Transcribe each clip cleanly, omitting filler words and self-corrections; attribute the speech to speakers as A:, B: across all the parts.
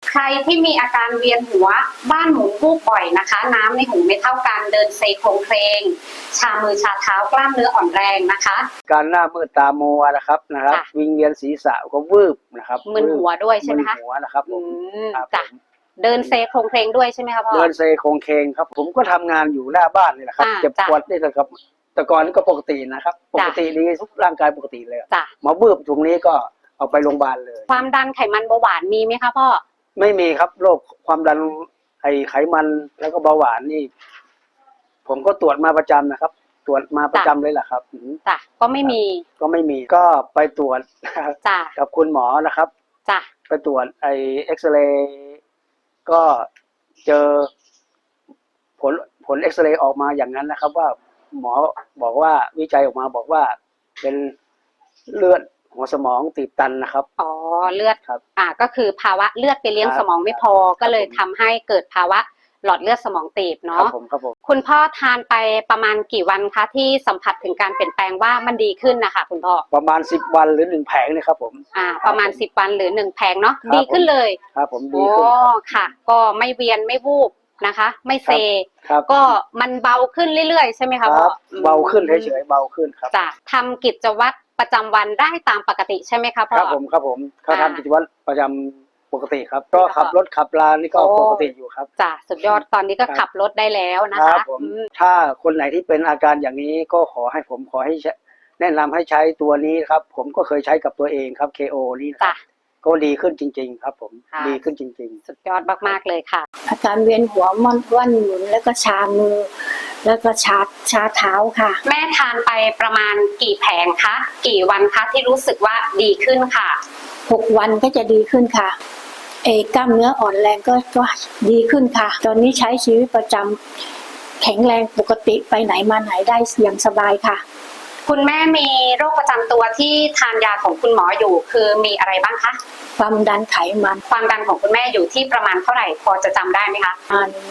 A: ใครที่มีอาการเวียนหัวบ้านหมุนวูบบ่อยนะคะ น้ำในหูไม่เท่ากันเดินเซโครงเคลงชามือชาเท้ากล้ามเนื้ออ่อนแรงนะคะ
B: การหน้ามืดตามัวนะครับวิงเวียนศีรษะก็วืบนะครับ
A: มึนหัวด้วยใช่ไหมคะ
B: มึนหัวนะครับผม
A: จ้ะเดินเซโครงเคลงด้วยใช่ไหมคะพ่อ
B: เดินเซโครงเคลงครับผมก็ทำงานอยู่หน้าบ้านนี่แหละครับเจ็บปวดนี่แหละครับแต่ก่อนนี่ก็ปกตินะครับปกติดีทุกร่างกายปกติเลยมาบืบตรงนี้ก็เอาไปโรงพยาบาลเลย
A: ความดันไขมันเบาหวานมีไหมคะพ่อ
B: ไม่มีครับโรคความดันไขมันแล้วก็เบาหวานนี่ผมก็ตรวจมาประจำนะครับตรวจมาประจำเลยแหละครับ
A: จ้ะก็ไม่มี
B: ก็ไปตรวจ
A: จ้ะ
B: กับคุณหมอนะครับ
A: จ้ะ
B: ไปตรวจเอ็กซเรย์ก็เจอผลเอ็กซเรย์ออกมาอย่างนั้นนะครับว่าหมอบอกว่าวิจัยออกมาบอกว่าเป็นเลือดหัวสมองตีบตันนะครับ
A: อ๋อเลือด
B: ครับ
A: ก็คือภาวะเลือดไปเลี้ยงสมองไม่พอก็เลยทำให้เกิดภาวะหลอดเลือดสมองตีบเนาะ
B: ครับผม
A: คุณพ่อทานไปประมาณกี่วันคะที่สัมผัสถึงการเปลี่ยนแปลงว่ามันดีขึ้นนะคะคุณพ่อ
B: ประมาณ10 วันหรือ1 แผงนี่ครับผม
A: ประมาณ10 วันหรือ1 แผงเนาะดีขึ้นเลย
B: ครับผมดีขึ้น
A: ค่ะก็ไม่เวียนไม่วูบนะคะไม่เซก็มันเบาขึ้นเรื่อยๆใช่ไหมคะพ่อ
B: เบาขึ้นเฉยๆเบาขึ้นครับ
A: จะทำกิจวัตรประจำวันได้ตามปกติใช่ไหมคะพ่อ
B: ครับผมเขาทำกิจวัตรประจำปกติครับก็ขับรถขับลานี่ก็ปกติอยู่ครับ
A: จ้ะสุดยอดตอนนี้ก็ขับรถได้แล้วนะคะ
B: ถ้าคนไหนที่เป็นอาการอย่างนี้ก็ขอให้แนะนำให้ใช้ตัวนี้ครับผมก็เคยใช้กับตัวเองครับ KO นี่นะก็ดีขึ้นจริงๆครับผมดีขึ้นจริงๆ
A: สุดยอดมากๆเลยค่ะ
C: อาการเวียนหัวมันว่านหมุนแล้วก็ชามือแล้วก็ชาเท้าค่ะ
A: แม่ทานไปประมาณกี่แผงคะกี่วันคะที่รู้สึกว่าดีขึ้นค่ะ
C: 6 วันก็จะดีขึ้นค่ะกล้ามเนื้ออ่อนแรงก็ดีขึ้นค่ะตอนนี้ใช้ชีวิตประจำแข็งแรงปกติไปไหนมาไหนได้อย่างสบายค่ะ
A: คุณแม่มีโรคประจำตัวที่ทานยาของคุณหมออยู่คือมีอะไรบ้างคะ
C: ความดันไขมัน
A: ความดันของคุณแม่อยู่ที่ประมาณเท่าไหร่พอจะจำได้ไหมคะ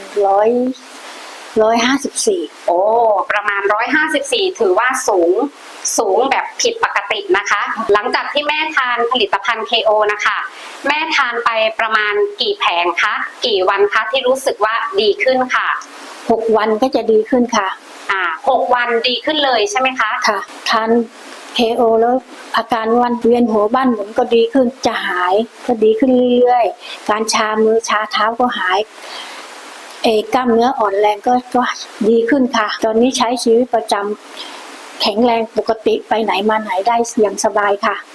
C: 154
A: โอ้ประมาณ154ถือว่าสูงแบบผิดปกตินะคะหลังจากที่แม่ทานผลิตภัณฑ์ KO นะคะแม่ทานไปประมาณกี่แผงคะกี่วันคะที่รู้สึกว่าดีขึ้นค่ะ
C: 6 วันก็จะดีขึ้นค่ะ
A: 6 วันดีขึ้นเลยใช่ไหมคะ
C: ค่ะทาน KO แล้วอาการวันเวียนหัวบ้านหมุนก็ดีขึ้นจะหายก็ดีขึ้นเรื่อยๆการชามือชาเท้าก็หายกล้ามเนื้ออ่อนแรงก็ดีขึ้นค่ะตอนนี้ใช้ชีวิตประจำแข็งแรงปกติไปไหนมาไหนได้อย่างสบายค่ะ